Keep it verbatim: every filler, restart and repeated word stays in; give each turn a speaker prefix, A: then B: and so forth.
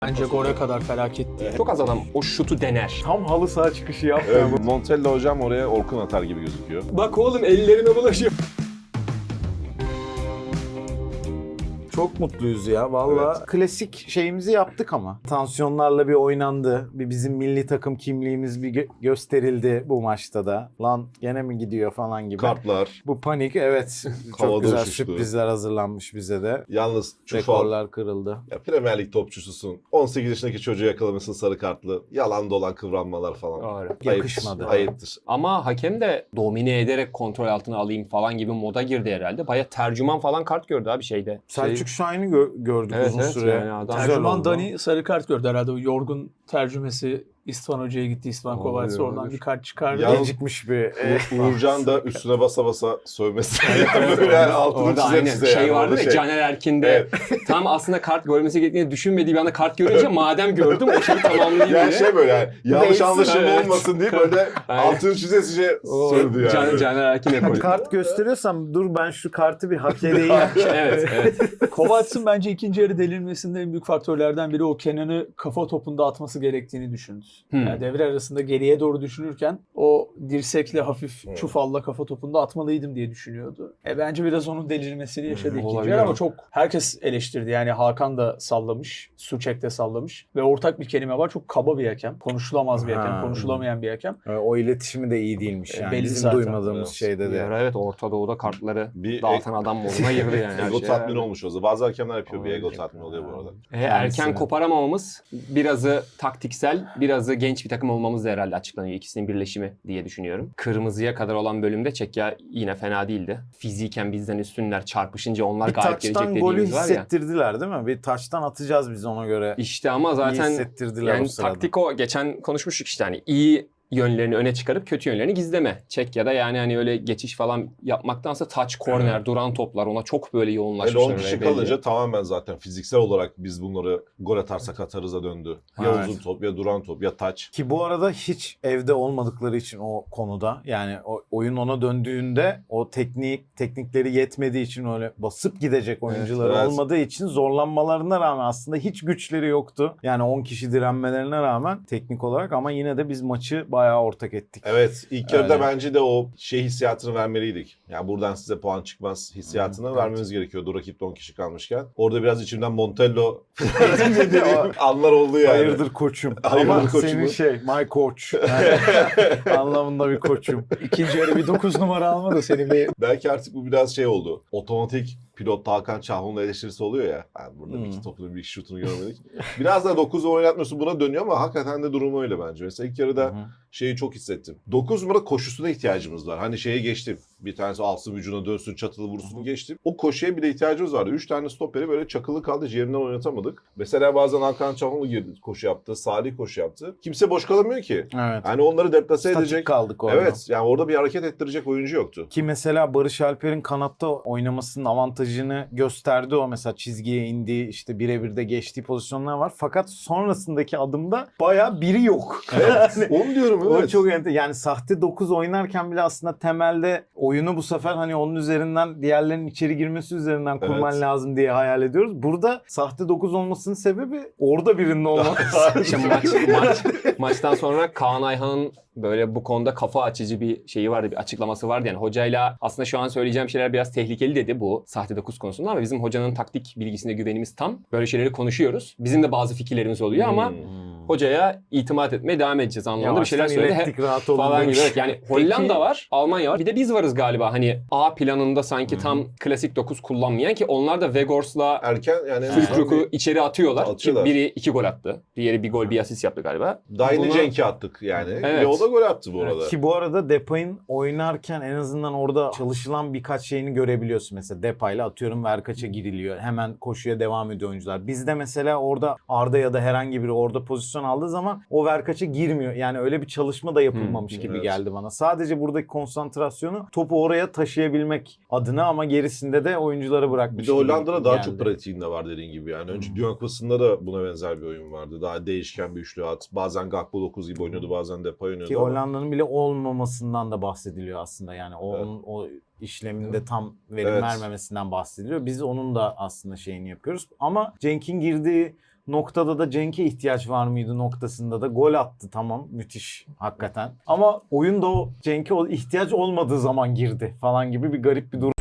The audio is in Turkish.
A: Bence gole kadar felaketti.
B: Çok az adam o şutu dener.
C: Tam halı saha çıkışı yapmıyor.
D: Evet, Montella hocam oraya Orkun atar gibi gözüküyor.
A: Bak oğlum ellerine bulaşıyor.
C: Çok mutluyuz ya valla.
D: Evet.
C: Klasik şeyimizi yaptık ama. Tansiyonlarla bir oynandı. Bir bizim milli takım kimliğimiz bir gö- gösterildi bu maçta da. Lan gene mi gidiyor falan gibi.
D: Kartlar.
C: Bu panik evet.
D: Havada
C: Çok güzel
D: uçuştu.
C: sürprizler hazırlanmış bize de.
D: Yalnız Çufal,
C: Rekorlar kırıldı.
D: ya Premier Lig topçususun. on sekiz yaşındaki çocuğu yakalamışsın sarı kartlı. Yalan dolan kıvranmalar falan.
B: Doğru.
C: Yakışmadı.
D: Ayıptır. Ayıptır.
B: Ama hakem de domine ederek kontrol altına alayım falan gibi moda girdi herhalde. Baya tercüman falan kart gördü abi şeyde.
C: Selçuk Şahin'i gö- gördük
B: Evet,
C: uzun
B: evet,
C: süre.
B: yani adam-
C: Güzel
A: Tercüman
C: oldu.
A: Dani sarı kart gördü herhalde. O yorgun tercümesi İstvan Hoca'ya gitti. İstvan
B: Olabilir,
A: Kovacs oradan
B: olabilir.
A: bir kart çıkardı.
D: Ya-
C: Gecikmiş bir... e,
D: Uğur- Uğurcan da üstüne basa basa sövmesi.
B: Evet,
D: Böyle yani altını
B: orada
D: çize
B: aynen
D: çize
B: şey
D: yani.
B: vardı
D: Orada
B: ya Caner Erkin'de
D: Evet.
B: tam aslında kart görmesi gerektiğini düşünmediği bir anda kart görünce madem gördüm o şeyi tamamlayayım
D: Yani
B: diye.
D: şey böyle yani yanlış
C: Neyse.
D: anlaşılma
B: Evet.
D: olmasın diye böyle
B: Aynen.
D: altını çize çize
B: O
D: sövdü yani.
B: Can, Caner Erkin ekolü.
C: Kart gösteriyorsam dur ben şu kartı bir hak edeyim.
B: Evet, evet.
A: Kovacs'ın bence ikinci yarı delirmesinde en büyük faktörlerden biri o Kenan'ı kafa topunda atması gerektiğini düşündü.
B: Hmm.
A: Yani devre arasında geriye doğru düşünürken o dirsekle hafif
D: Hmm.
A: çufalla kafa topunda atmalıydım diye düşünüyordu. E bence biraz onun delirmesini yaşadı
B: Hmm,
A: ikinci
B: olabilir
A: yarı ama
B: ama.
A: çok herkes eleştirdi. Yani Hakan da sallamış, Suçek de sallamış ve ortak bir kelime var. Çok kaba bir hakem. Konuşulamaz bir hakem,
C: Ha.
A: konuşulamayan bir hakem.
C: E, O iletişimi de iyi değilmiş
A: E,
C: yani.
A: belli
C: Bizim
A: zaten.
C: duymadığımız
D: Evet.
C: şeyde
B: Bir
C: de.
B: ara evet Orta Doğu'da kartları
D: Bir
B: dağıtan adam moduna girdi yani. her
D: Ego
B: şey.
D: tatmini olmuş o zaman. Bazı hakemler yapıyor. Bir ego
B: Olabilir.
D: tatmini oluyor bu arada.
B: E, erken
C: Kendisine.
B: koparamamamız birazı taktiksel, birazı genç bir takım olmamız da herhalde açıklanıyor. İkisinin birleşimi diye düşünüyorum. Kırmızıya kadar olan bölümde Çekya yine fena değildi. Fiziken bizden üstünler çarpışınca onlar
C: Bir
B: galip gelecek
C: taçtan golü
B: dediğimiz var ya.
C: hissettirdiler değil mi? Bir taçtan atacağız biz ona göre.
B: İşte ama
C: İyi
B: zaten
C: hissettirdiler
B: yani
C: o sırada.
B: taktik o. Geçen konuşmuştuk işte hani iyi yönlerini öne çıkarıp kötü yönlerini gizleme. Çekya'da yani hani öyle geçiş falan yapmaktansa touch, corner, duran toplar ona çok böyle
D: Yani
B: yoğunlaşmışlar.
D: on kişi
B: öyle belli.
D: kalınca tamamen zaten fiziksel olarak biz bunları gol atarsak atarıza döndü. Ya
C: Evet.
D: uzun top ya duran top ya taç.
C: Ki bu arada hiç evde olmadıkları için o konuda yani o oyun ona döndüğünde o teknik teknikleri yetmediği için öyle basıp gidecek oyuncuları
D: evet.
C: olmadığı için zorlanmalarına rağmen aslında hiç güçleri yoktu. Yani on kişi direnmelerine rağmen teknik olarak ama yine de biz maçı bayağı ortak ettik.
D: Evet ilk yarıda
C: Öyle.
D: bence de o şey hissiyatını vermeliydik. Yani buradan size puan çıkmaz hissiyatını
C: Hı,
D: vermemiz gerekiyordu rakipte on kişi kalmışken. Orada biraz içimden Montello dediğim anlar oldu yani.
C: Hayırdır koçum.
D: Hayırdır
C: Ama
D: koçum
C: senin
D: mu?
C: şey my coach. Yani anlamında bir koçum.
A: İkinci yarı bir dokuz numara alma da seni bir
D: Belki artık bu biraz şey oldu. Otomatik pilot Hakan Çahun'la eleştirisi oluyor ya. Yani burada bir
C: Hmm.
D: iki topunu bir iki şutunu görmedik. Biraz da dokuz oynatmıyorsun buna dönüyor ama hakikaten de durumu öyle bence. Mesela ilk yarıda
C: Hı hı.
D: şeyi çok hissettim. dokuz numara koşusuna ihtiyacımız var. Hani şeye geçtim. Bir tanesi alsın vücuduna dönsün çatılı vursun geçtim. O koşuya bile ihtiyacımız vardı. Üç tane stoperi böyle çakılı kaldı. Ciğerinden oynatamadık. Mesela bazen Hakan Çahun'la girdi koşu yaptı. Salih koşu yaptı. Kimse boş kalamıyor ki.
C: Evet.
D: Hani onları deplase
C: Statik
D: edecek.
C: kaldık orada.
D: Evet yani orada bir hareket ettirecek oyuncu yoktu.
C: Ki mesela Barış Alper'in kanatta oynamasının avantajını gösterdi o mesela çizgiye indiği işte birebir de geçtiği pozisyonlar var. Fakat sonrasındaki adımda bayağı biri yok.
D: Evet.
C: Yani
D: Onu diyorum
C: o
D: evet.
C: çok enter- yani sahte dokuz oynarken bile aslında temelde oyunu bu sefer hani onun üzerinden diğerlerinin içeri girmesi üzerinden kurman
D: Evet.
C: lazım diye hayal ediyoruz. Burada sahte dokuz olmasının sebebi orada birinin olması.
B: Şimdi maç, maç, maçtan sonra Kaan Ayhan'ın böyle bu konuda kafa açıcı bir şeyi vardı, bir açıklaması vardı. Yani hocayla aslında şu an söyleyeceğim şeyler biraz tehlikeli dedi bu sahte dokuz konusunda ama bizim hocanın taktik bilgisine güvenimiz tam. Böyle şeyleri konuşuyoruz. Bizim de bazı fikirlerimiz oluyor ama
D: Hmm.
B: hocaya itimat etmeye devam edeceğiz anlamında bir şeyler
C: Yavaştan
B: söyledi.
C: ilettik, rahat olun
B: Falan gibi.
C: demiş.
B: Evet, yani Hollanda var, Almanya var. Bir de biz varız galiba. Hani A planında sanki tam klasik dokuz kullanmayan ki onlar da Wegors'la
D: Erken yani
B: Füllkrug'u içeri atıyorlar.
D: Atıyorlar.
B: Ki biri iki gol attı. Diğeri bir gol bir asist yaptı galiba.
D: daha yeni
B: Buna-
D: Cenk'i attık yani.
B: Evet.
D: Ve o da gol attı bu arada.
C: Ki bu arada Depay'ın oynarken en azından orada çalışılan birkaç şeyini görebiliyorsun. Mesela Depay'la atıyorum Verkaç'a giriliyor. Hemen koşuya devam ediyor oyuncular. Bizde mesela orada Arda ya da herhangi biri orada pozisyon aldığı zaman o Verkaç'a girmiyor. Yani öyle bir çalışma da yapılmamış
B: Hmm,
C: gibi
D: evet.
C: geldi bana. Sadece buradaki konsantrasyonu topu oraya taşıyabilmek adına ama gerisinde de oyunculara bırakmış
D: Bir de Hollanda'da
C: gibi
D: daha
C: geldi.
D: çok pratiğinde var dediğin gibi yani. Önce Dünya Kupası'nda da buna benzer bir oyun vardı. Daha değişken bir üçlü at. Bazen Gakpo dokuz gibi oynuyordu, bazen Depay oynuyordu.
C: Ki
D: ama-
C: Hollanda'nın bile olmamasından da bahsediliyor aslında. Yani o,
D: Evet.
C: onun, o işleminde tam verim
D: Evet.
C: vermemesinden bahsediliyor. Biz onun da aslında şeyini yapıyoruz. Ama Cenk'in girdiği noktada da Cenk'e ihtiyaç var mıydı noktasında da gol attı, tamam, müthiş hakikaten. Ama oyunda o Cenk'e o ihtiyaç olmadığı zaman girdi falan gibi bir garip bir durum.